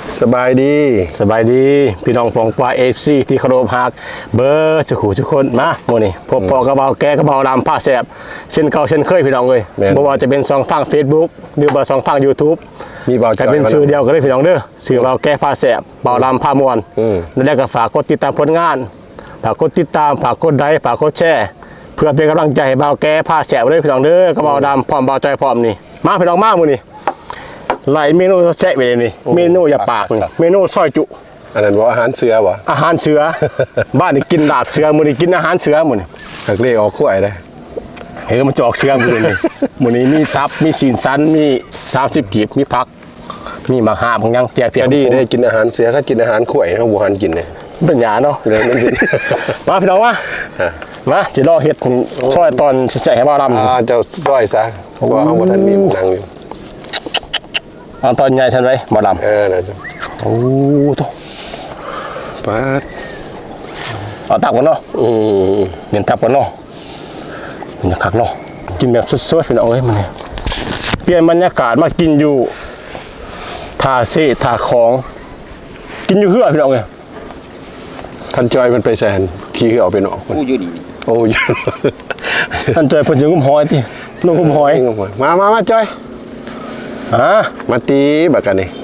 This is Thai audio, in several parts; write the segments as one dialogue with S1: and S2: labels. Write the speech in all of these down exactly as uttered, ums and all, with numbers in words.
S1: สบายดี
S2: สบายดีพี่น้องปองปลาเอฟซีที่เคารพฮักเบอร์จะขู่ทุกคนมาโมนี่พบปอกระเบาแกกระเบาลำผ้าแสบเช่นเก่าเช่นเคยพี่น้องเลยบ่ว่าจะเป็นสองทางเฟซบุ๊กหรือว่าสองทางยูทูบ
S1: มีเบาใจ
S2: เป็นชื่อเดียวกันเลยพี่น้องเด้อชื่อเบาแกผ้าแสบเบาลำผ้ามวนนั่นแหละก็ฝากกดติดตามผลงานฝากกดติดตามฝากกดไลค์ฝากกดแชร์เพื่อเป็นกำลังใจให้เบาแกผ้าแสบเลยพี่น้องเด้อกระเบาดำพร้อมเบาใจพร้อมนี่มาพี่น้องมาโมนี่หลายเมนูแซ่บไปเลยนี่เมนูอย่าปากเมนูซอยจุ
S1: อันนั้นว่าอาหารเสือวะ
S2: อาหารเสือบ้านนี่กินดาบเสือมื้อนี้กินอาหารเสือมื้อนี้
S1: หักเล่ออกขั้วได้
S2: เฮ้ยมันจะออกเสือมื้อนี้มื้อนี้มีตับมีซีนสันมีสามสิบกีบมีผักมีมะขามของยังแจกเพียง
S1: ดีได้กินอาหารเสือถ้ากินอาหารขั้วเขาบ่หันกินเลย
S2: เป็นหยาเนาะ
S1: เลยมันเป็น
S2: มาพี่น้องมามาสิรอเฮ็ดซอยตอนแซ่ให้บ่าวดำ
S1: อ่าเจ้าซอยซะเพราะว่าเฮาบ่ทันมีนั่งอยู่
S2: เอาตอนใหญ่ฉันไว้บ่ดำ
S1: เออนะจ๊ะ
S2: โอ้โต
S1: ปัด
S2: เอาตักก่อนเนาะ
S1: อืม
S2: เน้นตักก่อนเนาะมันจะคักเนาะกินแบบสดๆพี่น้องเอ้ยมันเปลี่ยนบรรยากาศมากินอยู่ท่าเซ่ท่าของกินอยู่เฮือพี่น้องเอ้ย
S1: ท่านจอยมันไปแซนขี้คือเอาไปนอก
S3: กูอยู่นี่
S1: โอ้ย
S2: ท่านจอยเพิ่นสิงุมหอยติลงงุมหอย
S1: มามามาจอย
S2: ฮะ
S1: มาตีบักกันนี่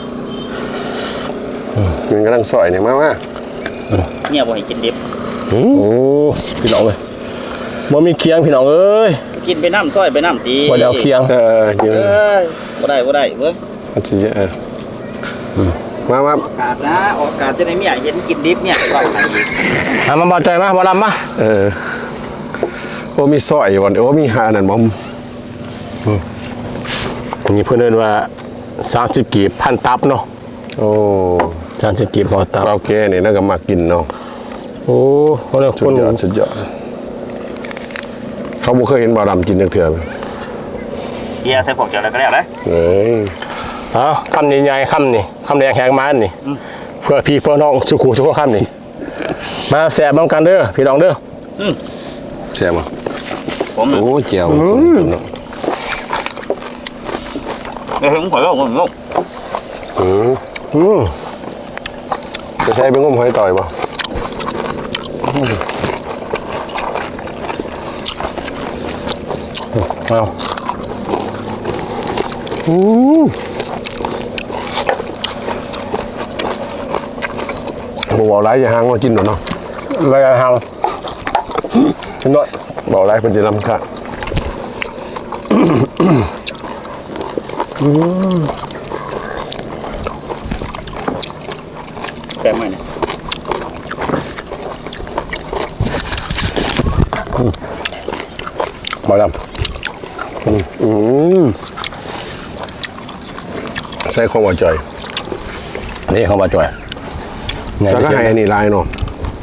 S1: มันกำลังซอยเนี่ยมามา
S3: เนี่ยบ่ให้กินดิบ
S2: โอ้พี่น้องเอ้ยบ่มีเคียงพี่น้องเอ้ย
S3: กินไปน้ำซอยไปน้ำตี
S2: บ่ได้เอาเคียง
S1: เออเยอะ
S3: บ่ได้บ่ได้เบิ่ง
S1: มันจะเออมามา
S3: อากาศนะอากาศจะได้เมียเย็นกินดิบเนี่ยก็ให้
S2: อ่ะมาบ่ใจมาบ่ลำมา
S1: เออโอ้มีซอยวันโอ้มีหานั่นบ่
S2: นี่เพื่อนเรียกว่าสามสิบกีบพันตับเนาะ
S1: โอ้
S2: สามสิบกีบพอตับ
S1: เราแก่เนี่ยน่าจะมากินเนาะ
S2: โอ้เขาเรียก
S1: สุดยอดสุดยอดเขาบ่เคยเห็นบ่าวดำกินจังเถื่อ
S3: เฮียใส่ผงเจียวอะไรก็ได้เลย
S1: เอ้ย
S2: เอาคำใหญ่ๆคำนี่คำแดงแหงมานี่เพื่อพี่เพื่อน้องสุขุสุขคำนี่มาแสบบ้างกันเด้อพี่น้องเด้อ
S1: แซ่บมั้ง
S3: ผม
S1: โอ้เจียวเนาะ
S3: เฮ้ยผมขอลองผมลอง
S1: อืมอืมจะใช้เป็นงมหอยต่อยป่ะ
S2: เอา
S1: อืมบอกว่าไรอย่าห่างมากินหน่อยเนาะ
S2: ไรอย่าห่างกินหน่อย
S1: บอกไรเป็นจะลำค่ะ
S3: แปลงใหม่เนี่ย
S2: มาด
S1: ำอืมใส่ของว่าจ่อย
S2: นี่เขามาจ่อย
S1: แล้วก็ให้อันนี้ลายเนาะ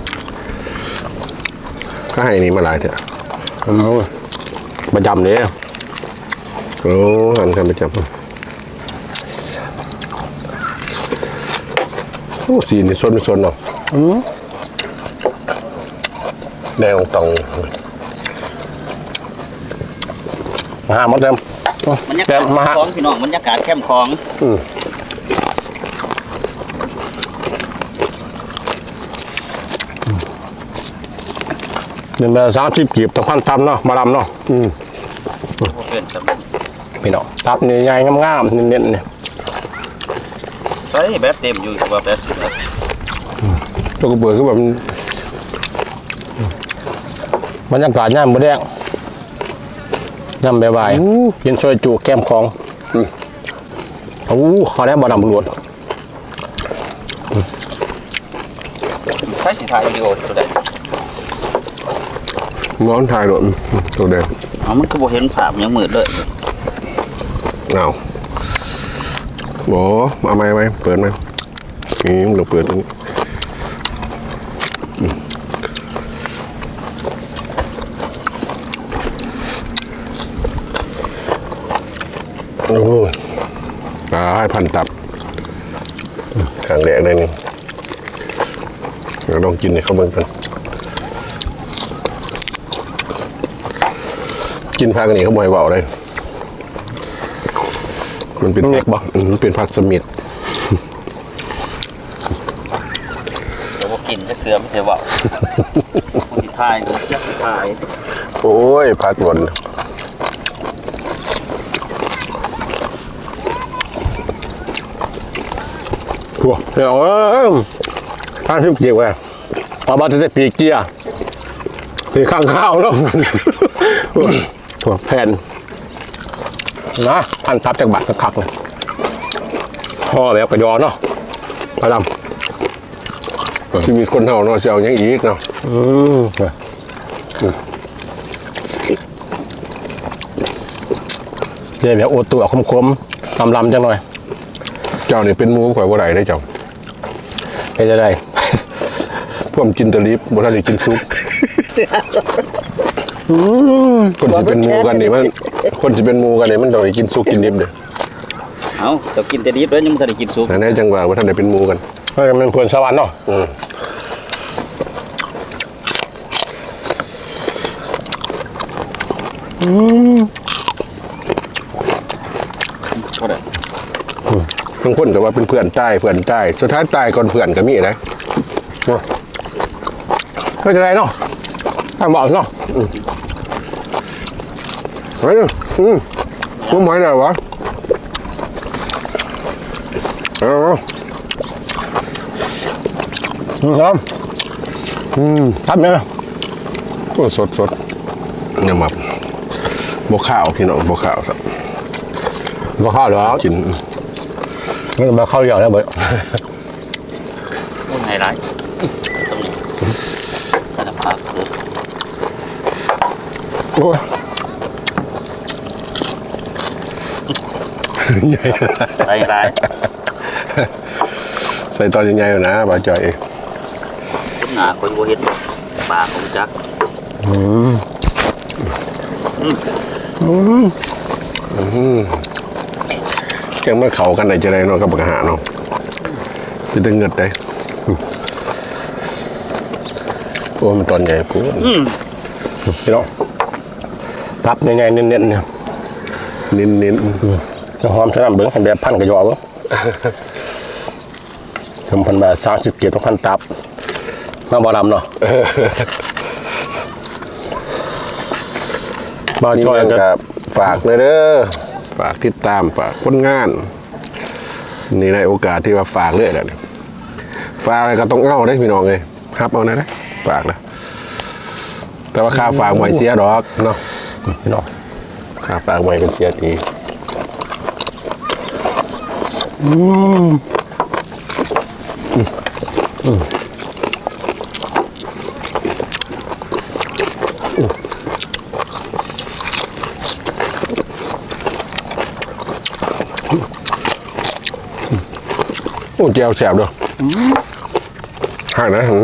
S1: ก็ให้อันนี้มาลายเถอะ
S2: ประจำเลย
S1: โอ้หันกันประจำโอ้สีนี่ซนซนเนาะแดงตอง
S2: มาหาหมดเต็ม
S3: บรรยากาศมาของพี่น้องบรรยากาศแคมป์ของ
S2: เดือนละสามสิบกีบต่อพันตับเนาะมาดำเนาะพี่น้องตับนี่ใหญ่งามๆเน้นๆเนี่ย
S3: เฮ้ยแบบเต็มอยู่แบบแบบสุดเลย
S1: ตัวกระเบื้องคือแบบ
S2: บรรยากาศย่ำบะแดงย่ำใบใบกินช่วยจูแก้มของโอ้เขาได้บะดำรวด
S3: ใช้สีถ่ายวิดีโอตัวใด
S1: ม้อนถ่ายหล่นตัวเดียว
S3: อ๋อมันก็บ่เห็นภาพยังมืดเลย
S1: เอาโอ้เอาไหมไหมเปิดไหมนี่เราเปิดตรงนี้โอ้ยตายพันตับขังแดกได้นี่เราลองกินให้เขาเบิ่งกันกินผักนี่เขาบ่อยเบาเลย มันเป็นผักบ่มันเป็นผักสมิธ
S3: กินจะเกลือไม่ใช่ว่าคนที่ทายคนที่ทาย
S1: โอ้ยพัดหล่น
S2: หัวเดี๋ยวเออท่านที่เกี่ยวไงเอามาจะได้ปีกเกียร์ปีข้างข้าวเนาะถั่วแผ่นนะพันทับจากบัตรคักเลยห่อแบบกระยอเนาะปลาดำ
S1: ที่มีคนเฮาเนาะสิเอาหยังอีกเนาะ
S2: อืมเดี๋ยวแบบโอตัวคมๆลำลำๆจังหน่อย
S1: เจ้านี่เป็นหมูข่อยบ่ได้ได้เจ้า
S2: ให้จะได้
S1: พวกกินแตะลิบบ่ทันได้กินซุปคนสิเป็นหมูกันนี่มันคนสิเป็นหมูกันนี่มันต้องได้กินซุปกินดิบเด้อ
S3: เอาจะกินแต่ดิบแล้วยังไม่ทันได้กินซุป
S1: อันนี้จังว่าบ่ทันได้เป็นหมูกัน
S2: เฮ้ยมันควรสวรรค์เนาะ
S1: อืม
S3: ก็ได้
S1: บางคนก็ว่าเป็นเพื่อนใต้เพื่อนใต้สุดท้ายตายก่อนเพื่อนก็มีนะ
S2: ก็จะได้เนาะทางบอกเนาะ
S1: เฮ้ยอืมกูหมายได้วะเอา
S2: อืมครับอืมทำยังไง
S1: โอ้สดสดเนี่ยมาบกข้าวพี่น้องบกข้าวสัก
S2: มาข้าวเหรอ
S1: กิน
S2: ไม่มาข้าวเหนียวแล้วเบย
S3: ต้นไฮไลท์ตรงนี้สารพัดเลย
S2: โอ้ย
S1: ใหญ่
S3: ไฮไลท์
S1: ใส่ตอนใหญ่ๆนะบ่าวจอย
S3: คุณหนาคนโบเห็นปลาของจัก
S1: จังเมื่อเขากันไหนจะได้เนาะกับอาหารเนาะจะตึงเงิดได้โอ้มันตอนใหญ่ปุ๊บ
S2: พี่น้องทับใหญ่ๆเน้นๆเนี่ย
S1: นิ้นนิ้น
S2: จะหอมสนั่นเบิ้งให้แบบพันกระยอเบิ้งทำพันแบบสามสิบเกียรต้องพันตับมาบอลำเนาะบอล
S1: นี่
S2: จอย
S1: ยัง
S2: ก็
S1: กับฝากเลยเด้อฝากติดตามฝากผลงาน นี่ในโอกาสที่ว่าฝากเรื่อยเลยฝากอะไรก็ต้องเอาได้พี่น้องเลยฮับเอานะนะฝากนะแต่ว่าค่าฝากหวยเสียดอกเนาะ
S2: พี่น้อง
S1: ค่าฝากหวยกันเสียทีโอ้เจียวแสบด้วยห่างนะหืม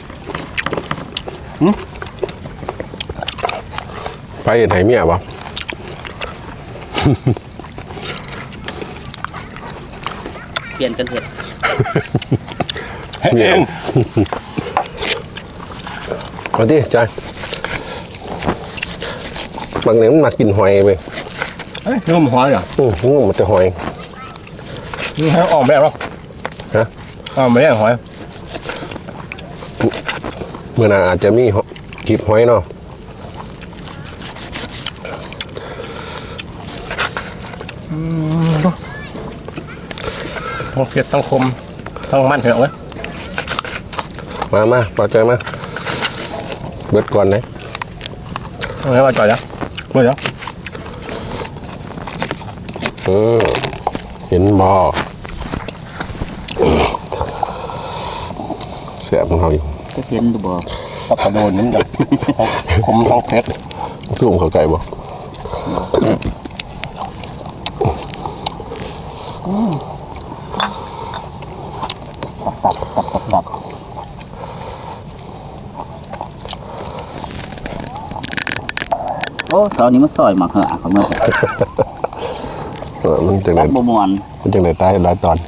S1: ไปเห็นไหเมียปะ
S3: เปลี่ยนกันเถอะ
S1: เมียเอาที่จอยบางเนี่ยมันมากินหอยไป
S2: เฮ้ยนุ่มหอยเหรอ
S1: อืองูมันจะหอย
S2: นี่ให้ออกแบบหรอ
S1: ฮะ
S2: ออกไม่ได้หอย
S1: เมื่อหนาอาจจะมีคลิปหอยเนาะ
S2: ทั้งเผ็ดทั้งคมทั้งมันเหรอเว้ย
S1: มามาปลาใจมาเบิดก่อนนะ
S2: เอาไงมาจ่อยจ้ะเมื่อจ้ะ
S1: อืมเห็นบอเสียบของเขาอยู่
S3: จะเห็นดูบ่
S2: ตับกระโดนนี่จ้ะคมทั้งเผ็ด
S1: สูงเขาไก่บ่
S2: ตับตับตับตับ
S3: โอ้ตอนนี้มันซอยหมักเหอะของมัน
S1: เออมันจังไหน
S3: ตับบมวน
S1: มันจังไหนตายหลายตอน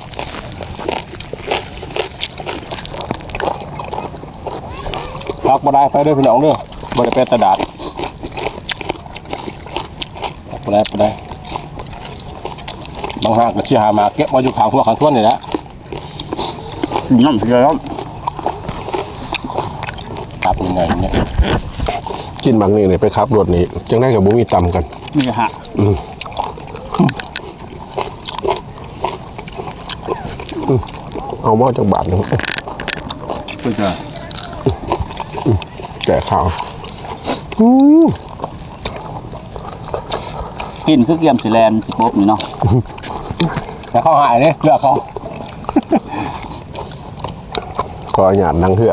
S2: พักมาได้ไปด้วยพี่น้องเด้อบ่ได้ไปตะดาดพักมาได้ไปได้บางหากก็ชี้หามาเก็บมาอยู่ข้างหัวข้างท้วนนี่แหละ
S3: น้ำเสียแล้ว
S2: ตับยังไงเนี่ย
S1: กินบางนี่เนี่ยไปขับรถนี้จังได้กับบุมีตำกัน
S3: มีฮะ
S1: อืมอืมเอาหม้อจากบาทหนึง
S3: คือจะ
S1: แก่ข้าวอืม
S3: กินคือเกียมสิแลนสิปบนี่เนาะ
S2: แต่เขาหายเนี่ยเลือกเขา
S1: ขอหยาดนั่งเถื่อ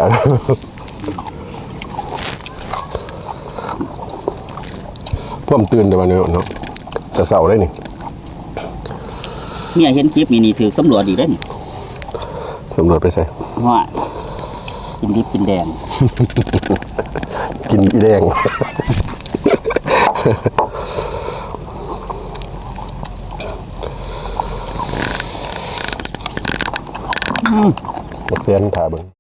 S1: เพิ่มตื่นแต่วันนี้เนาะแต่เสาร์ได้นี่
S3: เมียเห็นคลิปนี่นี่ถือสำรวจอีกได้อนี่
S1: สำรวจไปใส่
S3: ว่ากินดิบกินแดง
S1: กินอีแดง บักเซียนถ่าเบิ่ง